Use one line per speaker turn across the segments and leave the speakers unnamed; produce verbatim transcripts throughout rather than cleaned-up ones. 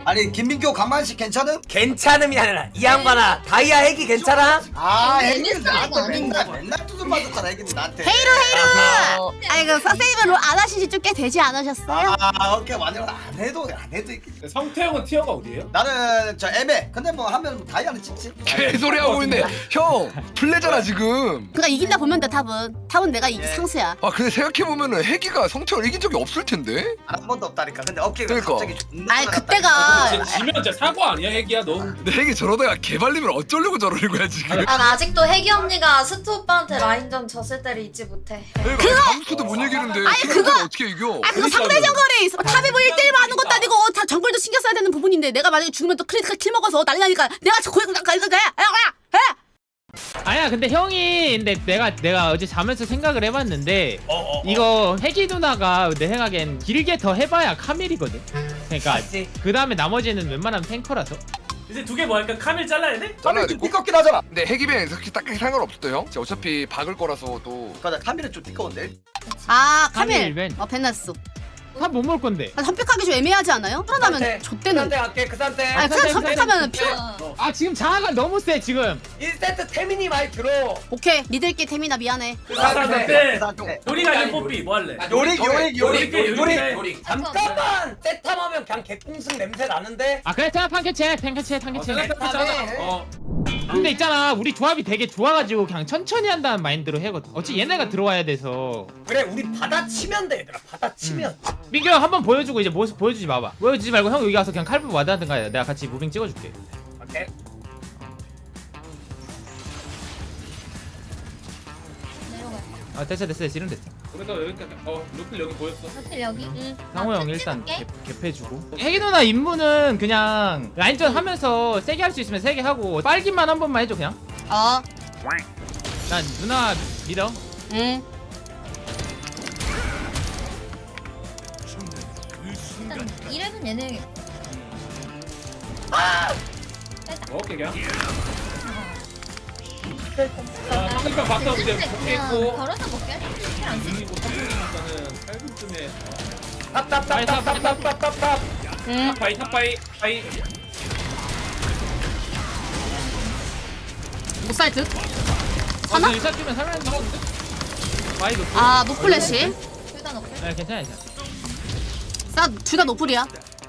아니 김민교 강만식 괜찮음?
괜찮음이 아니라 이 양반아 다이아 핵이 괜찮아?
아
아니,
애기
애기
나한테
스타일은
맨날
아닌데.
맨날 두들 맞았잖아 애기는 나한테.
헤이루 헤이루. 아이고 선생님은 롤 안 하신 지 좀 꽤 되지 않으셨어요?
아 오케이 완전 안 해도 안 해도 이렇게.
성태형은 티어가 어디예요?
나는 저 애매. 근데 뭐 하면 다이아는 찍지.
개소리 하고 있네. 형 플레잖아 지금.
그러니까 이긴다 보면 돼 탑은. 탑은 내가 이기
예.
상수야.
아 근데 생각해 보면은 해기가 성태를 이긴 적이 없을 텐데.
한 번도 없다니까. 근데 어깨가
그러니까.
갑자기 존나
아니
올라갔다.
그때가
진짜 지면 진짜 사고 아니야 핵이야 너?
근데 해기 저러다가 개발리면 어쩌려고 저러는 거야 지금.
난 아직도 혜기 언니가 스투 오빠한테 라인전 졌을 때를 잊지 못해.
그러니까 감수도 못 이기는데
아니,
캐릭터를
그거-
어떻게 이겨?
아 그거 상대 정글이 탑이 뭐 일 대 일 하는 것도 아니고 다 정글도 신경 써야 되는 부분인데 내가 만약에 죽으면 또 크리티컬 킬 먹어서 난리 나니까 내가 저 고액 나가 이거 해. 해.
아니야 근데 형이 근데 내가 내가 어제 자면서 생각을 해봤는데 이거 혜기 누나가 내 생각엔 길게 더 해봐야 카밀이거든. 그러니까
맞지.
그 다음에 나머지는 웬만하면 탱커라서.
이제 두 개 뭐 할까? 카밀 잘라야 돼?
잘라야
카밀
돼.
좀 띠껍긴 하잖아.
근데 해기弁그렇게 딱히 상관없어요 형. 진짜 어차피 박을 거라서 또.
맞아 카밀은 좀 띠꺼운데.
아
카밀
카밀.
벤.
어 벤나스.
탑 못 먹을 건데.
아, 선택하기 좀 애매하지 않아요? 그러다면
그
좆대는.
산테 갈게 그 산테.
아니 그냥 선택하면 퓨.
아 지금 자아가 너무 세 지금.
일 세트 태민이 말 들어.
오케이 믿을게 태민아 미안해.
그
아,
산테.
그래.
네. 요리가 아닌 뽀삐 뭐 할래?
요리 요리 요리
요리
요리.
요리
요리.
잠깐만 세탐하면 그냥 개꽁승 냄새 나는데.
아 그래 자 탕캐체 탕캐체 탕캐체.
어.
근데 있잖아 우리 조합이 되게 좋아가지고 그냥 천천히 한다는 마인드로 해거든. 어찌 얘네가 들어와야 돼서.
그래 우리 받아치면 돼 얘들아 받아치면.
민규 형 한번 보여주고 이제 모습 보여주지 마봐. 보여주지 말고 형 여기 가서 그냥 칼부 와드하든가 해. 내가 같이 무빙 찍어줄게.
오케이.
내려가.
아 됐어 됐어 됐어 이름 됐어.
그래서 여기까지. 어 루필 여기 보였어.
사실 여기. 응.
상호 형 일단 개, 개패주고. 혜기 누나 임무는 그냥 라인전 하면서 세게 할 수 있으면 세게 하고 빨기만 한 번만 해줘 그냥.
어.
난 누나 믿어.
응.
일단 이랩은 얘네.
오케이 그냥. 아 상대편 봤어 이제
그냥
복귀했고.
걸어서 먹게. 킬안 쓰.
이기고 삼분이니까는 팔 분쯤에.
탑탑탑탑탑탑탑탑.
응.
탑바이 탑바이 바이.
못 살 듯.
어, 너 일사 뛰면 살만한 거 같은데? 마이 높.
아 노플래시.
둘다 넣고.
아 괜찮아 괜찮아.
싸둘다 노플이야.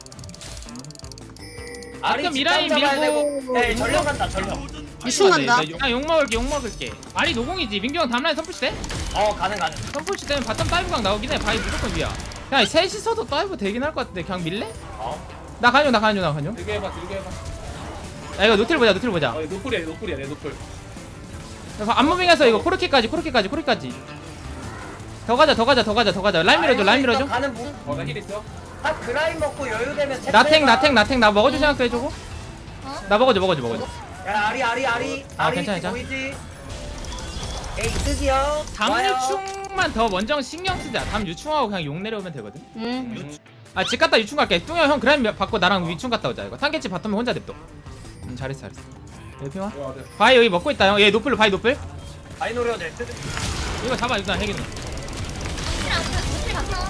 아리
가끔
집
미라인
잡아야
밀고-
되고. 에이 전령 간다 전령.
유충 간다.
나욕 먹을게 욕 먹을게. 아리 노공이지. 민규 형 다음라인 선푸시 돼?
어 가능 가능.
선푸시 되면 바텀 다이브각 나오긴 해. 바이 무조건 위야. 그냥 셋이서도 다이브 되긴 할 것 같은데 그냥 밀래?
어.
나 간용 나 간용 나 간용.
들게 해봐 들게 해봐.
야 이거 노틸 보자 노틸 보자.
어 노플이야 노플이야 내 노플.
안무빙해서 이거 코르키까지 코르키까지 코르키까지. 더 가자 더 가자 더 가자 더 가자. 라인 밀어줘 라인 밀어줘.
가는 무.
어나 힐 있어.
아 그라인 먹고 여유 되면.
나탱 나탱 나탱 나 먹어줄 생각도 해주고.
어?
나 먹어줘 먹어줘 먹어줘.
야 아리 아리 아리.
아,
아리
괜찮아, 괜찮아.
보이지? 에이 드디어.
담
좋아요.
유충만 더 먼저 신경 쓰자. 담 유충하고 그냥 용 내려오면 되거든.
응.
아 집 갔다 유충 갈게. 뚱형 형 그라인 받고 나랑 유충 갔다 오자. 이거 탄개치 바텀에 혼자 냅둬. 음 잘했어 잘했어. 여기 핑화.
와 네.
바이 여기 먹고 있다 형. 얘 노플 바이 노플.
아이 노려 될 듯.
이거 잡아 일단 해기는.
킬안 쓰. 킬 갔어.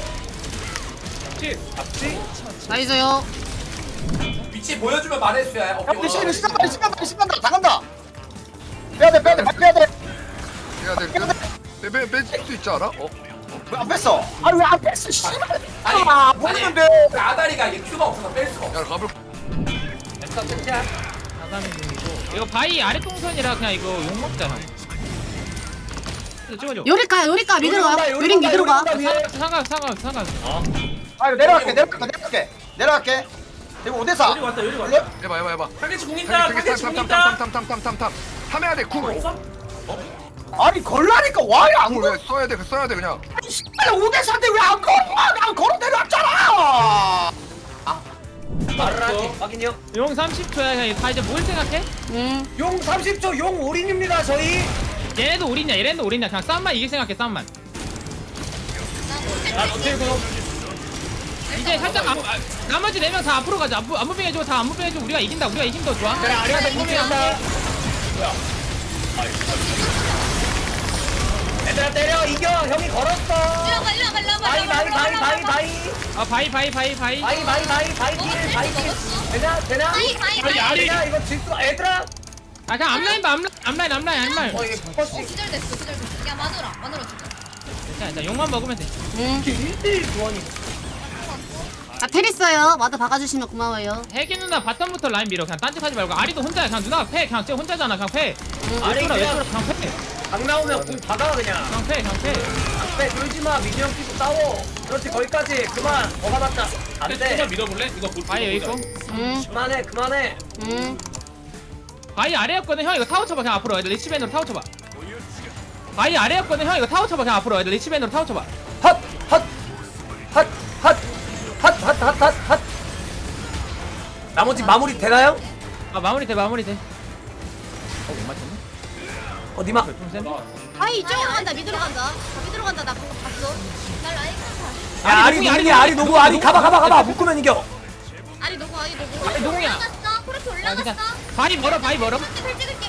치.
잡지?
나이스요.
위치 보여주면 말해줘야.
야 우리 시간 시간 다 시간 다 시간 다 간다. 빼야 돼 빼야 돼 빼야 돼.
해야 돼. 빼빼 뺄수 있지 않아? 어?
왜 안 뺐어? 아니 왜 안 뺐어? 씨발.
아니,
아 모르는데.
아다리가 이게 큐가 없어서 뺄 수가 없어.
야 가볼.
됐어 끝이야.
사삼이 중이고. 이거 바이 아래 동선이라 그냥 이거 욕 먹자 형. 이거 찍어줘.
요리까 요리까 미드로 가.
요리
요리
온다,
미드로 가.
요리 온다.
상관 상관 상관.
아 이거 내려갈게 내려갈게 내려갈게 내려갈게. 이거 오 대 사.
요리 왔다 요리 왔다.
해봐 해봐 해봐.
타겟치 공 있다 타겟치 공 있다.
탐탐탐탐탐탐탐탐 탐해야 돼 구.
없어?
아니 걸라니까 와야 안
뭘
걸.
왜 써야 돼? 그 써야 돼 그냥.
오 대 사인데 왜 안 걸어? 난 걸어 내려왔잖아.
말을 하지. 확인요.
용 삼십 초야 그냥 다 이제 뭘 생각해?
응.
용 삼십 초 용 올인입니다 저희.
얘네도 올인이야 얘네도 올인이야 그냥 싸움만 이길 생각해 싸움만.
아 노틸 공.
이제 살짝 앞, 아, 나머지 네 명 다 앞으로 가자. 안무 안무빙 해줘 다 안무빙 해줘. 우리가 이긴다 우리가 이긴다 좋아.
그래 아리한테 무빙한다. 얘들아 때려 이겨 형이 걸었어.
일로 가, 일로 가, 일로 가.
바이 바이 바이 바이 바이
아 바이 바이 바이 바이.
바이 바이 바이 바이 길 바이 길 되냐 되냐?
바이, 바이, 바이.
되냐 이거 질수 얘들아.
아 그냥 앞라인 봐 앞라인 앞라인 앞라인 앞라인.
어 이게
어,
포커싱
기절됐어, 기절됐어. 야, 마누라, 마누라 진짜.
자, 자 용만 먹으면 돼.
응.
일 대 일 구원이.
나 테리스요. 와드 박아주시면 고마워요.
혜기 누나 바텀부터 라인 밀어. 그냥 딴짓하지 말고 아리도 혼자야. 그냥 누나가 패. 그냥 쟤 혼자잖아. 그냥 패.
아니,
왼쪽으로
그냥-
왼쪽으로 그냥 패.
강 나오면 공 받아 그냥.
그냥 패. 그냥 패.
안돼 그러지 마 미니언 끼고 싸워. 그렇지 거기까지 그만 더 받았다.
조금만
안돼
밀어볼래? 이거 볼
바이 여기 있고.
응.
그만해 그만해.
응.
바이 아래였거든. 형 이거 타워 쳐봐. 그냥 앞으로. 애들 리치밴으로 타워 쳐봐. 바이 아래였거든. 형 이거 타워 쳐봐. 그냥 앞으로. 애들 리치밴으로 타워 쳐봐.
핫핫핫핫핫핫핫핫핫 나머지 마무리 되나요?
아 마무리 돼 마무리 돼. 어못 맞췄네.
어 니마
좀 센데?
아이 이쪽으로 간다. 미드로 간다. 미드로 간다. 나 방금 봤어.
나 라인 가.
야 아리
누구야,
누구니
아리
아리 누구 아리 가봐 가봐 가봐 묶으면 이겨.
아니 누구 아니 누구.
아니 농이야.
올라갔어, 코르트
아,
올라갔어.
그냥 바이 멀어 바이 멀어.
잘 찍을게.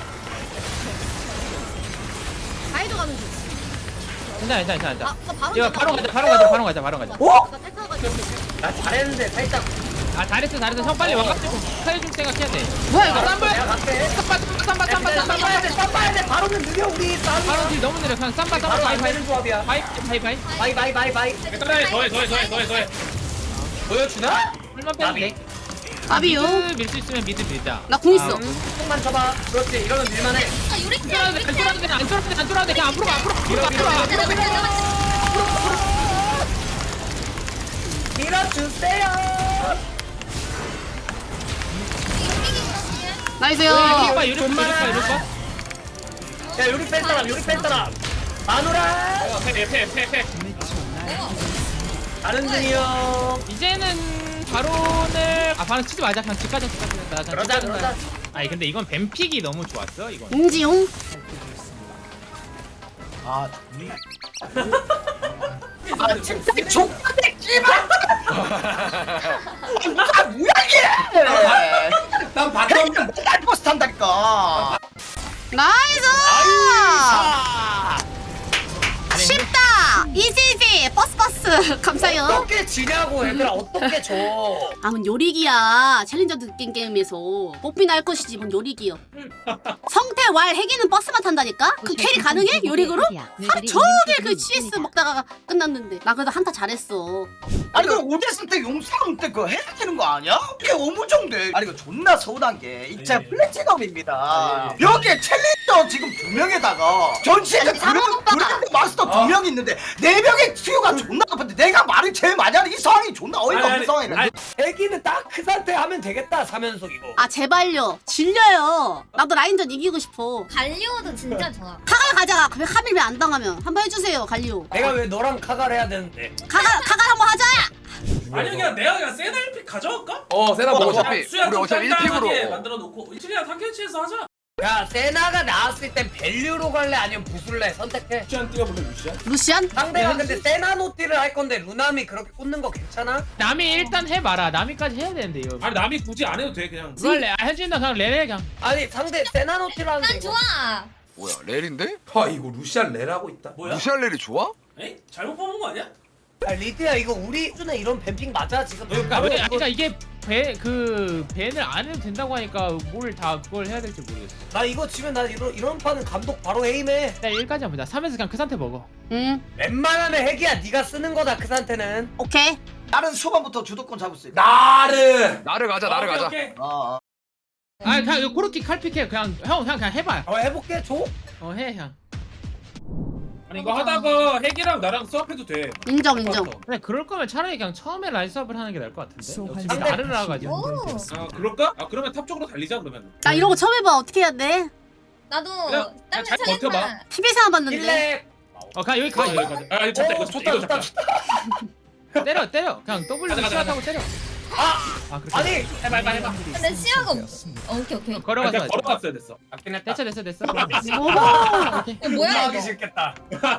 가이드 가는 중.
괜찮아 괜찮아 괜찮아.
아, 그거 바로
이거 바로 가자 바로 가자 바로 가자 바로 가자.
어?
나 탈타가지고.
나 잘했는데 살짝
아 잘했어 잘했어. 형 빨리 와가지고 스타일 좀 생각해야 돼.
뭐야 이거?
쌈바
내가 갈게.
쌈바 쌈바
야,
쌈바
근데
쌈바
쌈봐야 돼 쌈봐야 돼 바로는 느려 우리
바로
쌈.
뒤 너무 느려. 그냥 쌈바 쌈바
바로
바이
안
바이
되는 조합이야.
바이 바이 바이.
바이 바이 바이 바이.
더해 더해 더해 더해 더해 더해.
보여주나?
풀만 빼면 돼.
아비요.
미드 밀 수 있으면 미드 밀자.
나 궁 있어.
만 쳐봐. 그렇지 이러면 밀만해.
아, 요리
안
때,
쫄아도
요리
돼,
때.
안 쫄아도 돼, 안 쫄아도 돼, 안 쫄아도 돼. 그냥 앞으로 가, 앞으로 가, 앞으로 가, 앞으로 가.
맞아, 맞아, 맞아.
밀어주세요.
나이스요.
유리 봐, 유리 봐, 유리 봐, 유리 봐.
야 요리 뺀 사람 요리 뺀 사람. 마누라.
패패패패.
다른 등이 형.
이제는 바론을 아 바론 치지 말자. 그냥 집 가자, 집 가자. 나 그냥 집
그러자
가자.
그러자.
아니 근데 이건 뱀픽이 너무 좋았어, 이건.
인지용.
아 아 진짜 족같네 씨발. 아 뭐야 이게. 난 바텀 맨날 버스 탄다니까.
나이스.
아.
쉽다. 이지지. 버스 버스. 감사해요.
어떻게 지냐고 얘들아 어떻게 져?
아, 뭔 요리기야. 챌린저 게임 게임에서 뽑히나 할 것이지 뭔 요리기요. 성태 왈 해기는 버스만 탄다니까? 그 캐리 가능해? 요리그로? 하 저게 그 씨에스 먹다가 끝났는데. 나 그래도 한타 잘했어.
아니 그 오데스 때 용사용 때 그거 해야 되는 거 아니야? 이게 오무정돼. 아니 이거 존나 서운한 게 이제
예.
플래티넘입니다.
예, 예.
여기에 챌린저 지금 두 명에다가 전시에서
아니, 상황 오빠.
그랜드 마스터 두 명 있는데 네 명의 수요가 존나 높은데 내가 말을 제일 많이 하는 이 상황이 존나 어이가 없는 상황이네.
애기는 딱 그 상태 하면 되겠다 사면속 이거.
아 제발요. 질려요. 나도 라인전 이기고 싶어.
갈리오도 진짜 좋아.
카갈 가자. 왜 카밀 왜 안 당하면 한번 해주세요 갈리오.
내가 왜 너랑 카갈 해야 되는데?
카갈 카갈 한번 하자.
아니 그냥 내가 그냥 세나일픽 가져갈까?
어 세나
어,
뭐
어,
어차피
수야
우리
좀
어차피
짱짱하게
일 픽으로
만들어 놓고 이틀이랑 탐켄치에서 하자.
야 세나가 나왔을 땐 밸류로 갈래 아니면 부술래 선택해.
루시안 뛰어볼래 루시안?
루시안?
상대가 근데 세나 노티를 할 건데 루나미 그렇게 꽂는 거 괜찮아?
남이 일단 해봐라. 남이까지 해야 되는데 이거.
아니 남이 굳이 안 해도 돼 그냥.
그걸 레, 아, 현진이나 그냥 레레 그냥.
아니 상대 세나 노티를 하는데
난
이거.
좋아.
뭐야 렐인데?
아 이거 루시안 레라고 있다.
뭐야?
루시알렐이 좋아?
에이? 잘못 뽑은 거 아니야?
야 리드야 이거 우리 수준에 이런 뱀핑 맞아 지금?
그러니까,
바로
왜,
이거-
그러니까 이게 배 그 밴을 안 해도 된다고 하니까 뭘 다 그걸 해야 될지 모르겠어.
나 이거 지면 나 이런 이런 판은 감독 바로 해임해.
일단 일까지 한번 보자. 삼에서 그냥 그 상태 먹어.
응.
웬만하면 핵이야 네가 쓰는 거다 그 상태는.
오케이.
나는 초반부터 주도권 잡을 수 있다.
나를.
나를 가자 나를
오케이,
가자
오케이.
어, 어.
아 그냥 이거 코르키 칼픽해. 그냥 형 그냥 그냥 해봐.
어 해볼게 줘.
어 해 그냥.
아니 이거 하다가 핵이랑 나랑 수업해도 돼.
인정 인정.
근데 그럴 거면 차라리 그냥 처음에 라인 수업을 하는 게 나을 것 같은데. 어차피
상대-
나를 나가지고.
오.
아 그럴까? 아 그러면 탑 쪽으로 달리자 그러면.
나 이런 거 처음 해봐. 어떻게 해야 돼?
나도
그냥-
땀을
잘 버텨봐.
살렸다.
티비에서 봤는데.
일렉.
어 그냥 여기 가 여기 가.
아 이거 좋다
오,
이거
좋다,
이거
좋다,
좋다.
때려 때려. 그냥 W
가자, 가자,
시작하고 때려.
아
아 그렇게.
아니
해봐 해봐 해봐.
근데 시야가 없어. 어, 오케이 오케이.
걸어가서
그냥
하자.
걸어갔어야 됐어.
맞긴 했다.
됐어 됐어 됐어.
오버.
오케이.
이거 뭐야
하기
이거?
싫겠다.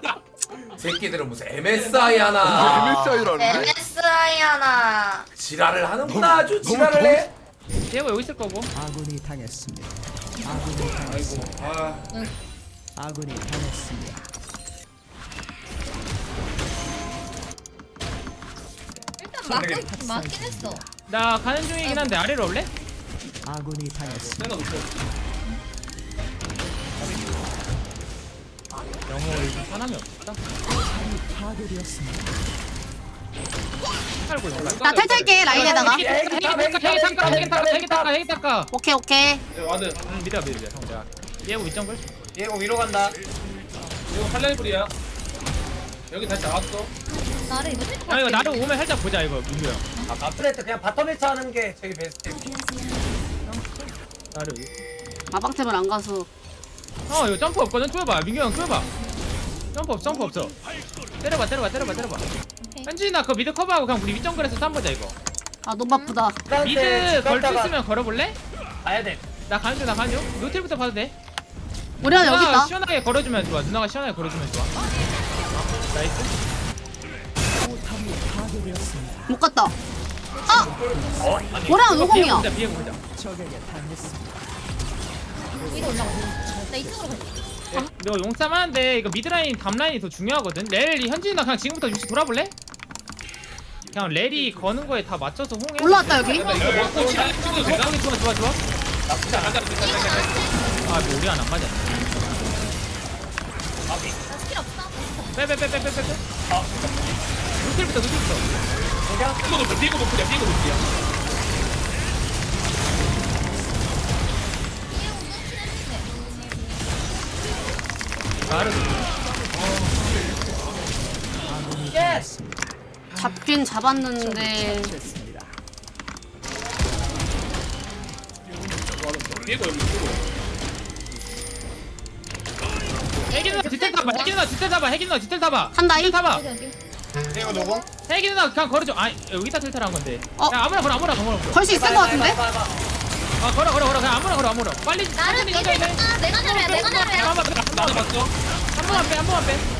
새끼들은 무슨 엠에스아이 하나.
엠에스아이라는데?
엠에스아이 하나.
지랄을 하는구나 아주
너무
지랄을 해.
디에고 여기 있을 거고.
아군이 당했습니다. 아군이 당했습니다.
아
아군이 당했습니다.
맞긴 맞긴 했어.
나 가는 중이긴 한데 아래로 올래?
세나 높여.
영호 요즘 사람이 없다. 팔고 있어.
나 탈탈게 라인에다가.
핵이 닦아, 핵이 닦아, 핵이 닦아, 핵이 닦아, 핵이 닦아.
오케이 오케이.
와드.
응, 믿어, 믿어, 믿어. 형, 내가 얘하고 밑정글.
얘고 위로 간다.
이거 팔레이블이야. 여기 다시 나왔어.
나를 이거 힐
아 이거 나를 오면 살짝 보자 이거 민규 형.
아 마플레트 그냥 바텀 일 차 하는 게 저기 베스트.
나를.
마방템을 안 가서.
어 이거 점프 없거든. 쪼여봐, 민규 형 쪼여봐. 점프 없, 점프 없어. 때려봐, 때려봐, 때려봐, 때려봐. 현진아 그 미드 커버하고 그냥 우리 윗정글에서 쌈 보자 이거.
아 너무 바쁘다.
미드 걸 수 있으면 걸어볼래?
가야 돼.
나 가는 중, 나 가는 중. 노틸부터 봐도 돼.
우리 하나 여기
누나가
있다.
시원하게 걸어주면 좋아. 누나가 시원하게 걸어주면 좋아. 나이스.
못 갔다. 아! 뭐랑 노공이야.
비에 보자.
위로 올라가. 나 이쪽으로 갈게.
너 용싸움 하는데 이거 미드라인 답라인이 더 중요하거든. 렐이 현진이나 그냥 지금부터 위치 돌아볼래? 그냥 렐이 거는 거에 다 맞춰서 홍해.
올라왔다 여기.
나 이거 먹고 시간 찍어도 되나?
거기 좋아 좋아 좋아.
나쁘지 않아.
아 뭐 우리 하나 안 맞아.
나 스킬 없어.
빼빼빼빼빼빼. 아. 노틸부터 노틸부터.
이거 높여, 이거 높여, 이거 높여.
나를.
예스.
잡긴 잡았는데.
이거 여기 있고.
핵이 누나 뒤tel 타봐. 핵이 누나 뒤tel 타봐. 핵이 누나 뒤tel 타봐.
한다,
뒤tel
이.
타봐.
여기 여기.
이거 누구?
핵이 누나 그냥 걸어줘. 아 여기다 텔타를 한 건데.
어?
야 아무나 걸어 아무나 걸어.
걸 수 있을 것 같은데?
아 걸어 걸어 걸어 그냥 아무나 걸어 아무나. 빨리.
나를
천천히,
이제
천천히.
다 내가 나래야 내가 나래야.
한번 빼.
나도 봤어.
한 번만 빼. 한 번만 빼.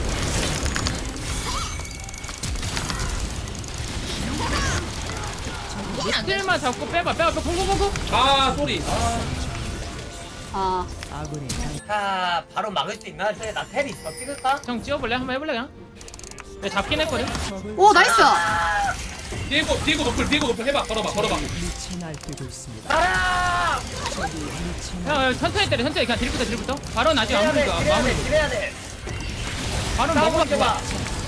딜만 잡고 빼봐. 빼봐. 빼. 공공공공.
아, 소리.
아
자 바로 막을 수 있나? 근데 나 텔 있어. 찍을까?
형 찍어볼래? 한번 해볼래 그냥? 내가 잡긴 했거든.
오 나이스.
디에고, 디에고 높을, 디에고 높을 해봐. 걸어봐, 걸어봐.
가라!
형 형, 천천히 때려. 천천히 그냥 딜부터 딜부터. 바로 아직
해야 돼.
아무리
딜해야
마무리.
돼. 딜해야 돼.
바로
싸우고
먹어봐.
있어봐.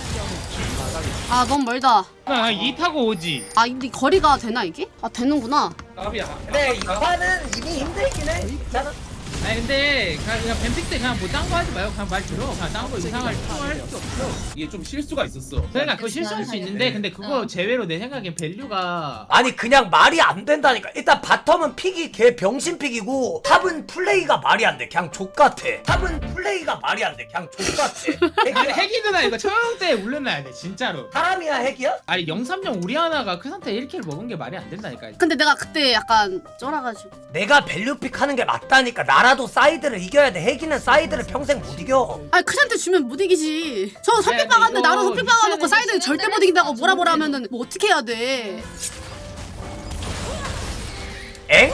아 너무 멀다.
그냥 이 타고 오지.
아 근데 거리가 되나 이게? 아 되는구나.
까비야.
근데 이 판은 이미 힘들긴 해. 괜찮아.
아니 근데 그냥, 그냥 뱀픽 때 그냥 뭐 딴 거 하지 말고 그냥 말 들어. 그냥 딴 거 이상할 할수 없어.
이게 좀 실수가 있었어.
그러니까 그거 실수할 수 있는데 근데 그거 제외로 내 생각엔 밸류가
아니 그냥 말이 안 된다니까. 일단 바텀은 픽이 개 병신 픽이고 탑은 플레이가 말이 안 돼. 그냥 족같아. 탑은 플레이가 말이 안 돼. 그냥 족같아.
아니 핵이 누나 이거 처형 때 울려놔야 돼 진짜로.
사람이야 핵이야?
아니 영삼령 우리 하나가 그 상태에 일 킬 먹은 게 말이 안 된다니까.
근데 내가 그때 약간 쫄아가지고.
내가 밸류픽 하는 게 맞다니까. 나라도 사이드를 이겨야 돼. 핵이는 사이드를 평생 못 이겨.
아니 크한테 주면 못 이기지. 저 설픽
야,
박았는데
이거
나로 설픽 박아놓고
미션은
사이드 절대 못 이긴다고 뭐라 뭐라 하면은 뭐 어떻게 해야 돼?
엥?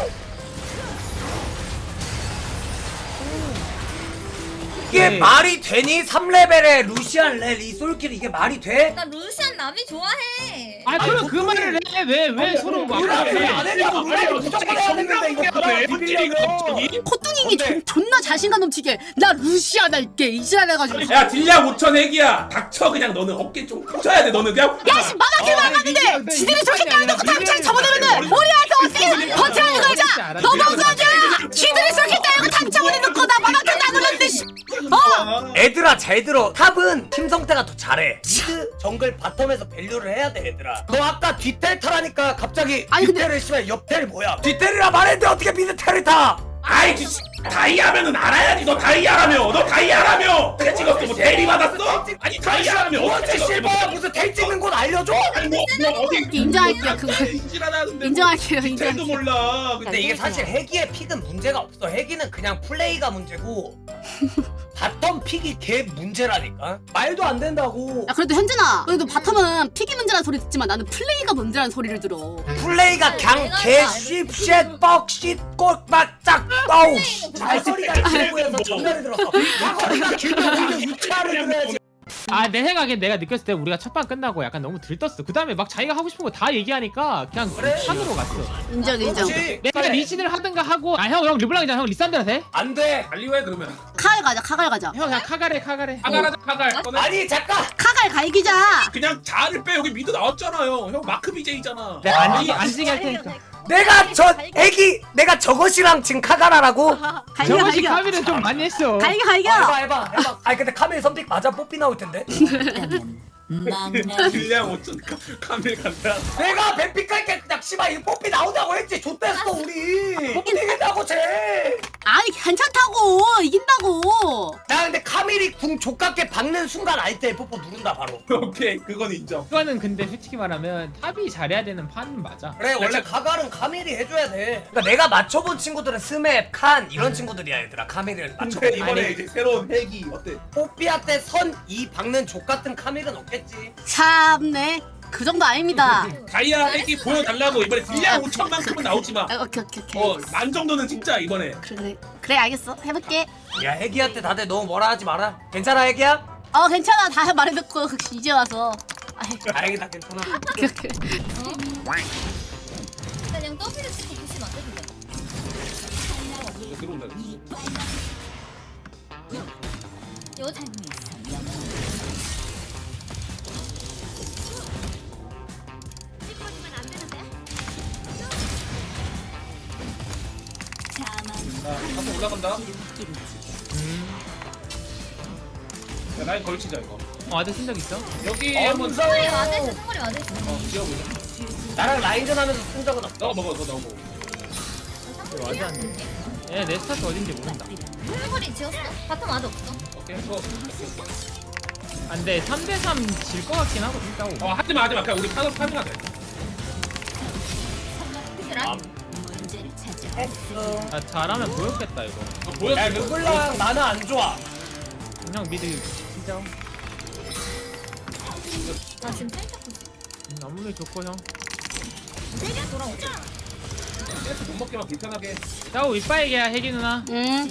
이게
네.
말이 되니? 삼 레벨에 루시안 렐 이솔킬 이게 말이 돼?
나 루시안 남이 좋아해.
아 그럼 그 말을 해. 왜 왜 서로 막
우리가
그래.
안 해도 우리가 무조건 해야 되는데 이거
왜
비비려고.
코뚱이기 존- 존나 자신감 넘치게 나 루시아 날게 이지랄 해가지고.
야, 딜량 오천 핵이야. 닥쳐, 그냥 너는 어깨 좀 펴줘야 돼, 너는 그냥.
야씨 마마킬 막았는데 지들이 저렇게 따놓고 당장 접어놓으면은 우리한테 어떻게 버티라는 거자. 넘어가자. 지들이 저렇게 따놓고 당장 올려놓고 나 마마킬 나누는데 씨. 어?
애들아 잘 들어. 탑은 팀 성태가 더 잘해.
미드 정글 바텀에서 밸류를 해야 돼 얘들아. 너 아까 뒷텔 타라니까 갑자기
아니, 근데-
뒷텔을 씨발 옆텔 뭐야?
뒷텔이라 말했는데 어떻게 미드 텔을 타?
아이, 그 씨, 다이아면은 알아야지. 너 다이아라며. 너 다이아라며. 어떻게 찍었어? 뭐 대리 받았어? 아니, 다이아라며.
뭐지
어떻게 찍었어?
실버야 무슨 텔 찍는 곳 알려줘?
아니, 뭐, 뭐 어디.
인정할게요, 그거.
인지라는데.
인정할게요,
텔도
인정할게요.
몰라.
근데 이게 사실 해기의 픽은 문제가 없어. 해기는 그냥 플레이가 문제고 바텀 픽이 개 문제라니까. 말도 안 된다고.
야 그래도 현진아 그래도 바텀은 픽이 문제라는 소리 듣지만 나는 플레이가 문제라는 소리를 들어.
플레이가 그냥 개 씹쉣 뻑쉿 꼴바짝 어우 씨.
말소리가 길고해서 전달이 들었어. 말소리가 길고 오히려 유치하를 들어야지.
아 내 생각엔 내가 느꼈을 때 우리가 첫 판 끝나고 약간 너무 들떴어. 그 다음에 막 자기가 하고 싶은 거 다 얘기하니까 그냥 판으로 갔어.
인정 인정.
그렇지.
내가 리신을 하든가 하고 아 형 형 르블랑이잖아. 형 리산드라 돼?
안돼.
달리왜 그러면?
카갈 가자 카갈 가자.
형 그냥 카가래 카가래.
카갈하자 카갈. 꺼내.
아니 잠깐.
카갈 갈기자.
그냥 자를 빼 여기 미드 나왔잖아요. 형 마크 비제이잖아.
내가 안지 안지게 할 테니까.
내가 저 애기 내가 저것이랑 지금 카가라라고?
갈겨
저것이
갈겨.
카미는 좀 많이 했어.
갈겨
아, 해봐
갈겨.
해봐 해봐. 아니 근데 카멜 선픽 맞아 뽀삐 나올 텐데.
딜량 오천 카밀 간다.
내가 뱀픽 할게 그냥 씨발 이 뽀삐 나오자고 했지. 좆됐어 우리. 뽀삐 되겠다고 쟤.
아니 괜찮다고 이긴다고.
나 근데 카밀이 궁 족같게 박는 순간 알 때 뽀뽀 누른다 바로.
오케이 그건 인정.
그거는 근데 솔직히 말하면 탑이 잘해야 되는 판은 맞아.
그래 원래 카갈은 카밀이 해줘야 돼. 그러니까 내가 맞춰본 친구들은 스맵, 칸 이런 친구들이야 얘들아. 카밀을 맞춰.
근데 이번에
아니.
이제 새로운 핵이 어때?
뽀삐한테 선 이 박는 족같은 카밀은 없겠지.
참네. 그 정도 아닙니다.
다이아 핵이 보여달라고 이번에 딜량 오천만큼은 나오지 마.
아, 오케이 오케이 오케이.
어, 만 정도는 진짜 이번에.
그래 그래 그래 알겠어 해볼게.
야 애기한테 다들 너무 뭐라 하지 마라. 괜찮아 애기야?
어 괜찮아 다 말해놓고 이제 와서. 아이,
다행이다 괜찮아.
오케이 오케이.
그냥 더블을 찍고 보시면 안 되는데.
이거 들어온다.
여자
자, 한번 올라간다. 야, 라인 걸치자 이거.
어 아들 쓴적 있어?
여기
어,
한번
무서워.
머리 맞아있어. 손머리 맞아있어.
어, 지어보자.
나랑 라인전 하면서 쓴 적은 없어.
너가 먹어, 너 먹어.
맞아 안 돼. 얘내 스타트 어딘지 모른다.
손머리 지었어? 바텀 아직 없어.
오케이, 이거.
안돼 삼 대 삼 질 것 같긴 하고 진짜.
어, 하지 마, 하지 마. 그냥 우리 파도 파밍하 돼.
라인
아 잘하면 보였겠다 이거.
어, 보였어.
야 르블랑 나는 안 좋아.
형 미드 진짜.
나 지금 살짝 보지.
아무리 좋고 형.
세게 돌아오자.
계속 못 먹게만 불편하게.
짜오 이빠이게야 혜기 누나.
응.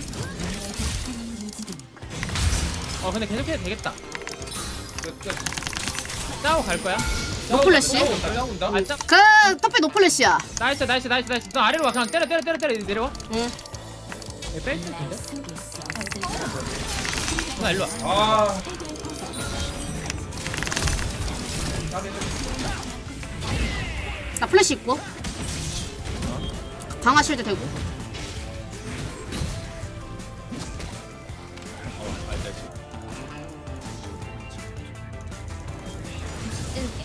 어 근데 계속해도 되겠다.
끝, 끝.
짜오 갈 거야?
노플래시.
올라온다, 올라온다.
아 짜.
그 터피 노플래시야.
나이스 나이스 나이스 나이스. 너 아래로 와 그냥 때려 때려 때려 때려 내려와.
응.
얘 뺄 수 있는데? 나 일로 와.
아,
나 플래시 있고. 강화 실드 되고.
이렇게.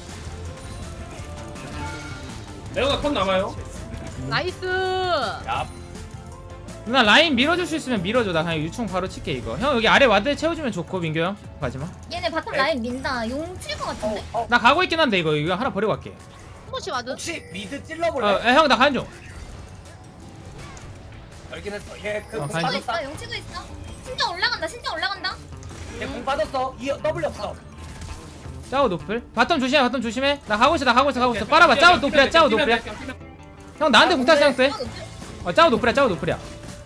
레오나 컷 남아요.
나이스.
야
누나 라인 밀어줄 수 있으면 밀어줘. 나 그냥 유충 바로 칠게 이거. 형 여기 아래 와드 채워주면 좋고 민규 형 가지마.
얘네 바텀 라인 민다. 용 칠 것 같은데?
어, 어.
나 가고 있긴 한데 이거 이거 하나 버리고 갈게.
혹시 와드?
혹시 미드 찔러볼래?
어형 나 가는 중.
알긴 했어. 얘그
어,
공
가야지.
치고
빠졌다.
있어. 용 치고 있어. 신장 올라간다. 신장 올라간다.
얘공 빠졌어. 이 W 없어.
짜오 노플. 바텀 조심해 바텀 조심해. 나 가고 있어 나 가고 있어 가고 있어. 빨아봐 짜오 노플이야 짜오 노플이야. 형 나한테
아,
공탈
근데-
생각돼? 어 짜오 노플이야 짜오 노플이야.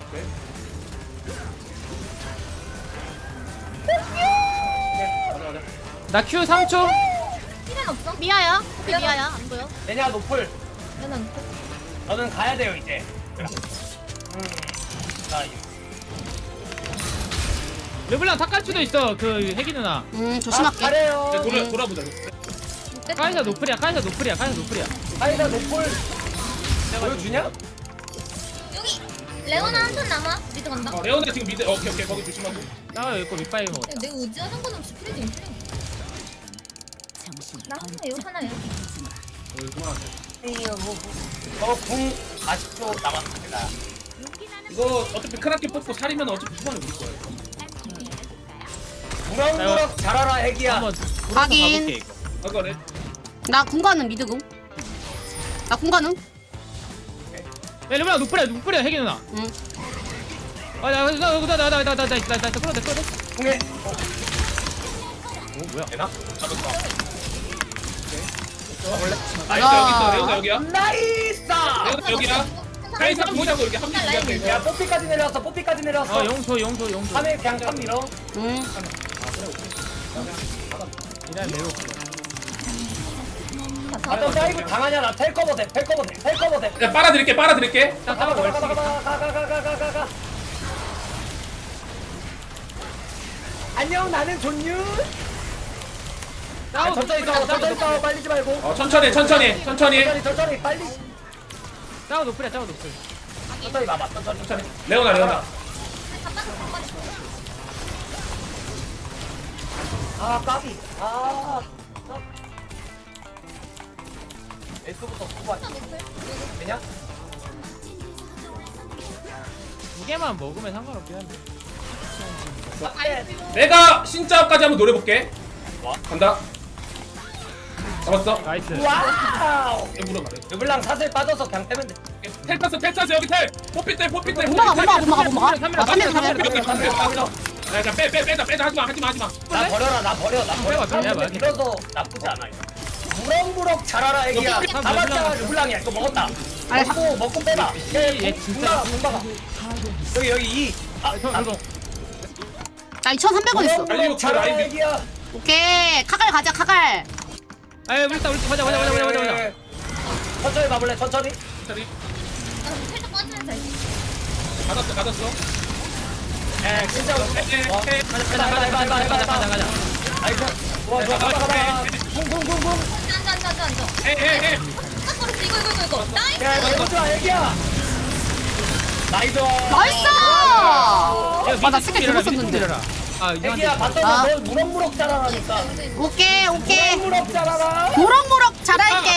나 Q 삼 초.
시간 없어.
미아야. 터피 미아야. 안 보여.
얘냐 노플.
얘는
너는 가야 돼요 이제. 음. 자 이거.
르블랑 탁갈 수도 있어 그 혜기 누나.
음
아,
조심할게.
잘해요.
돌아, 돌아보자.
카이사 노플이야 카이사 노플이야 카이사 노플이야.
아이다 노플. 보여주냐?
여기 레오나 한 턴 남아. 미드 간다.
어, 레오나 지금 미드. 오케이, 오케이. 거기 조심하고.
짜오 여기 거 밑바위 먹었다.
내 의지하는 건 없이 프리딩 프리딩. 나 하나 요 하나요.
어, 그만.
저궁 사십 초 남았습니다.
이거 어차피 크라켓 뽑고 살이면 어차피 후반에 우리 거야.
무럭무럭 잘하라 애기야.
한번 돌아서
확인.
가볼게 이거.
아, 그래.
나 공가는 미드공. 나 공가는.
야 르블랑 노플이야 노플이야 혜기 누나.
응.
아나나나나나나나나나 끌어내 끌어내.
궁에
오 뭐야?
되나? 잡았어.
원래
나이스, 여기 있어. 레오나 여기야.
나이스.
레오나 여기야. 카이사 보자고 이렇게 한
라인
명.
야 뽀삐까지 내려왔어. 뽀삐까지 내려왔어.
어 용소 용소 용소.
카메 그냥 탑 밀어.
응.
이날 매우
바텀 다이브 당하냐 나 텔커버 돼 텔커버 돼 텔커버 돼
야 빨아드릴게 빨아드릴게.
딱
가가
따고
가가
걸치기.
가가 가가 가가 가가 안녕 나는 존유 아, 천천히 싸워 천천히 싸워 빨리지 말고
어 천천히 천천히 천천히
천천히 천천히 빨리
짜오 노플이야 짜오 노플.
천천히 봐봐 천천히 천천히
레오나 레오나.
아 까비 아 S부터 뽑아 되냐?
두 개만 먹으면 상관없긴 한데.
내가 신짜까지 한번 노려볼게. 간다. 잡았어.
나이스.
와우
물어봐.
르블랑 사슬 빠져서 그냥 빼면 돼
텔 탔어 텔 탔어 여기 텔. 포피 텔 포피 텔.
못 막아 못 막아 못 막아 못 막아. 아 삼면 삼면.
야 빼빼 빼자 빼자 하지마 하지마 하지마.
나 버려라 나 버려 나 버려
빼봐, 빼봐, 빼봐.
밀어서 나쁘지 않아 이거 무럭무럭 자라라 애기야
너
잡았잖아
르블랑.
르블랑이야 이거 먹었다
아니,
먹고 먹고 빼봐
얘 진짜.
공박아 여기 여기 이 아,
형
아,
이거
나 이천삼백 원 있어.
무럭무럭 자라라 애기야
오케이 카갈 가자 카갈.
아유 우리 따 우리 가자 가자 가자 가자 가자.
네. 천천히 가볼래 천천히
천천히.
살짝 빠지면서 알지?
받았어 받았어.
에 진짜
에,
어,
에,
가자 가자 가자 가자 가자 가자 가자 아이고 좋아 좋아 가자 가자 붕붕붕붕
앉아 앉아 앉아 앉아.
에에에.
딱 걸었어. 이거 이거 이거 이거. 나이스.
야 이거 좋아 애기야 나이스
나이스. 아나 스킬 잘못 썼는데.
아 이거
애기야
아.
봤더니 널 무럭무럭 자라라니까
오케이 오케이.
무럭무럭 자라라
무럭무럭 잘할게.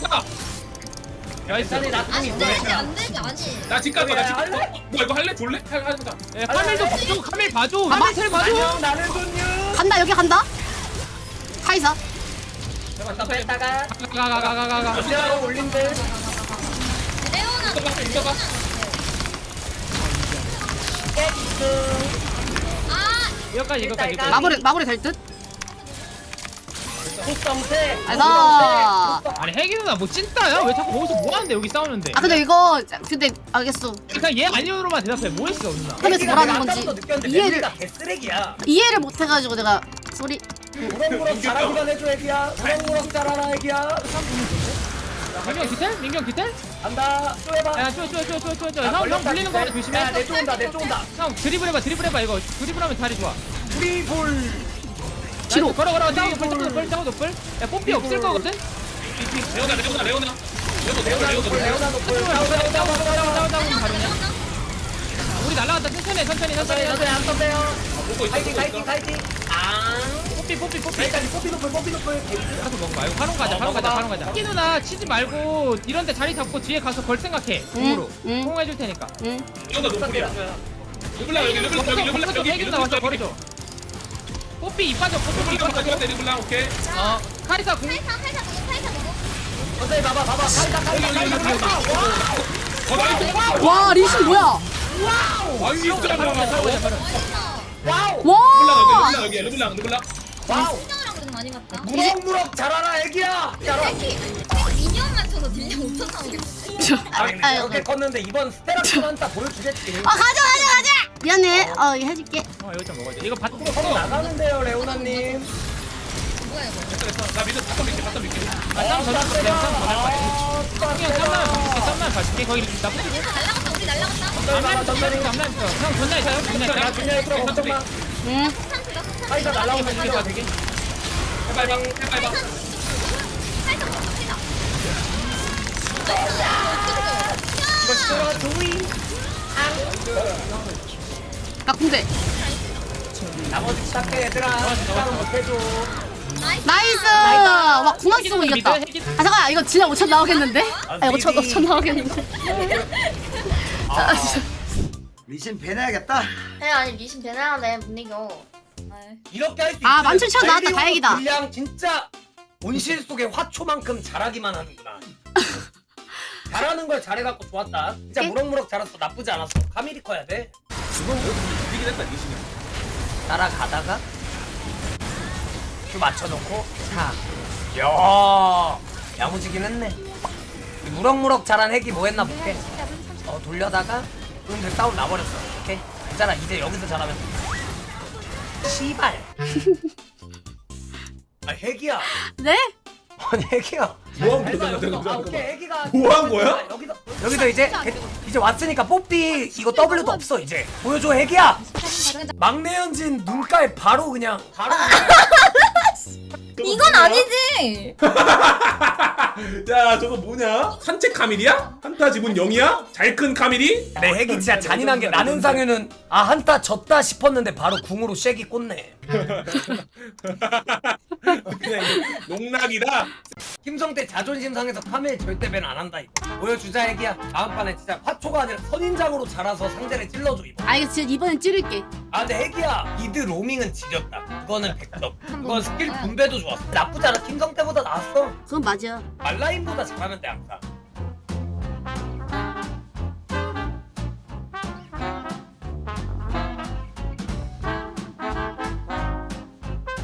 나이스.
천천히 나중에
안 되지 안 되지 아니.
나집 갈 거야. 나집
할래?
뭐 이거 할래? 줄래? 할 하자.
야, 카밀도 봐줘 카밀 봐줘.
봐봐.
카밀 텔 봐줘.
안녕 나는 존유
간다 여기 간다. 카이사.
잠깐 뺐다가
가가가가가가.
이제라고 올린대
레오나.
있어봐 있어봐.
아
이거까지 이거까지 이거까지.
마무리 마무리 될 듯.
콧썸새
알다.
아니 혜기 누나 뭐 찐따야? 왜 자꾸 거기서 뭐 하는데 여기 싸우는데?
아 근데 이거 근데 알겠어.
그냥 얘 아니오로만 대답해. 뭐 했어 누나?
하면서 뭐라는 건지 이해를
다 개쓰레기야
이해를 못 해가지고 내가 소리.
무럭무럭 자라기만 해줘 애기야 무럭무럭 자라라 애기야
민경 디텔? 민경 디텔?
간다 또 해봐
야 쪼 쪼 쪼 쪼 쪼 쪼. 형 형 불리는 거 조심해.
야내 쫓은다 내 쫓은다
형 드리블 해봐 드리블 해봐 이거. 드리블하면 다리 좋아.
우리 볼
뒤로.
걸어 걸어 짜고 높을 짜고 높을 짜고 높을. 야 뽀삐 없을 거거든?
레오나 레오나 레오나. 레오나 레오나 레오나.
레오나 높을
짜고
싸워
짜고
싸워
짜고
싸워
짜고 짜고 바로냐? 우리 날라갔다 천천히 해, 천천히 천천히
천천히 천천히 안 떴대요
보고 있어
파이팅
보고
파이팅
있어.
파이팅 아
뽀삐 뽀삐 뽀삐.
여기까지 뽀삐 높을 뽀삐 높을
가서 먹어 말고 바로 가자
어,
바로 가자
먹어봐.
바로 가자. 혜기 누나 치지 말고 이런데 자리 잡고 뒤에 가서 걸 생각해. 공으로
응.
공해줄 테니까.
응.
레오나 노플이야. 르블랑 여기 르블랑 여기 르블랑
거기서
여기
혜기 누나 와서
여기.
버려줘. 뽀삐 입 빠져 뽀삐 입
이거
빠져.
이거 르블랑 오케이.
어 카리사 공.
팔사 팔사 먹어 팔사 먹어.
천천히 봐봐 봐봐 카이다 카이다 카이다 카이다
어 나이스.
와 리신 뭐야?
아 진짜
바로 가자 바로 가자 바로.
와우
와.
르블랑 여기 르블랑 여기 르블랑.
와우
수정이랑 그러는 거 많이 봤다.
무럭무럭 자라라 애기야 자라
새끼 미니언만 쳐서 딜량 오천 나오겠지.
아 근데
아유,
저렇게 컸는데 이번 스테라콘 한타 보여주겠지
아 가자 가자 가자. 미안해. 어 이거 해줄게.
어 이거 좀 먹어야 돼. 이거 밭.
서로 나가는데요 레오나님
뭐야 이거.
됐어 됐어. 나 미드 바텀 밀게 바텀 밀게.
아 쌈 던졌어 그냥 쌈 던질 거야. 그냥 쌈만 봐줄게 쌈만 봐줄게. 거기 나쁘지.
얘가 날라갔다 우리 날라갔다.
앞라인 전멸이 앞라인 펴. 형 전날 있어요? 전날
나
있어요?
중요해 그럼 걱정 마
응.
스탄트가 스탄트.
카이다 날라오면
이게
이겨
봐 되게.
해봐 해봐 해봐 해봐.
살짝 먹습니다.
이거 들어 조이
나 군대.
나머지 시작해 얘들아 시간은 못해줘
나이스. 와 구만 쓰고 이겼다. 아
미드,
잠깐 이거 진짜 오천 나오겠는데? 아 오천 오천 나오겠는데? 아, 진짜.
리신 배내야겠다.
에 아니 미신 배나야돼 못 이겨.
이렇게 할 수 있어
아, 만 칠천 나왔다. 다행이다.
분량 진짜 온실 속의 화초만큼 자라기만 하는구나 잘하는 걸 잘해갖고 좋았다 진짜
응?
무럭무럭 자랐어 나쁘지 않았어 카밀이 커야 돼
이기긴 했다 리신이.
따라가다가 큐 맞춰놓고 차 야 야무지긴 했네 이 무럭무럭 자란 핵이 뭐 했나 볼게 어 돌려다가 그런데 싸움 나버렸어 오케이 괜찮아 이제 여기서 잘하면 돼. 씨발 아 핵이야.
네?
아니 핵이야.
뭐한
됐어,
거야?
여기서.
잠깐,
아, 오케이
잠깐.
핵이가.
뭐한 거야?
여기서 여기서 이제 이제 왔으니까 뽀삐 이거 W도 없어 이제. 보여줘 핵이야. 막내 현진 눈가에 바로 그냥 바로.
이건 아니지.
야 저거 뭐냐? 산책 카밀이야? 한타 지분 영이야? 잘 큰 카밀이?
내 핵이 진짜 잔인한 게 나는 상윤은 아 한타 졌다 싶었는데 바로 궁으로 쉐기 꽂네.
그냥 이거 농락이다.
김성태 자존심 상해서 카멜 절대 밴 안 한다 이거. 보여주자 핵이야. 다음 판에 진짜 화초가 아니라 선인장으로 자라서 상대를 찔러줘 이거.
알겠어. 진짜 이번엔 찌를게.
아 근데 핵이야 미드 로밍은 지렸다. 그거는 백 점. 그건 스킬 분배도 좋았어. 나쁘지 않아. 김성태보다 나았어.
그건 맞아.
말라인보다 잘하는데 항상.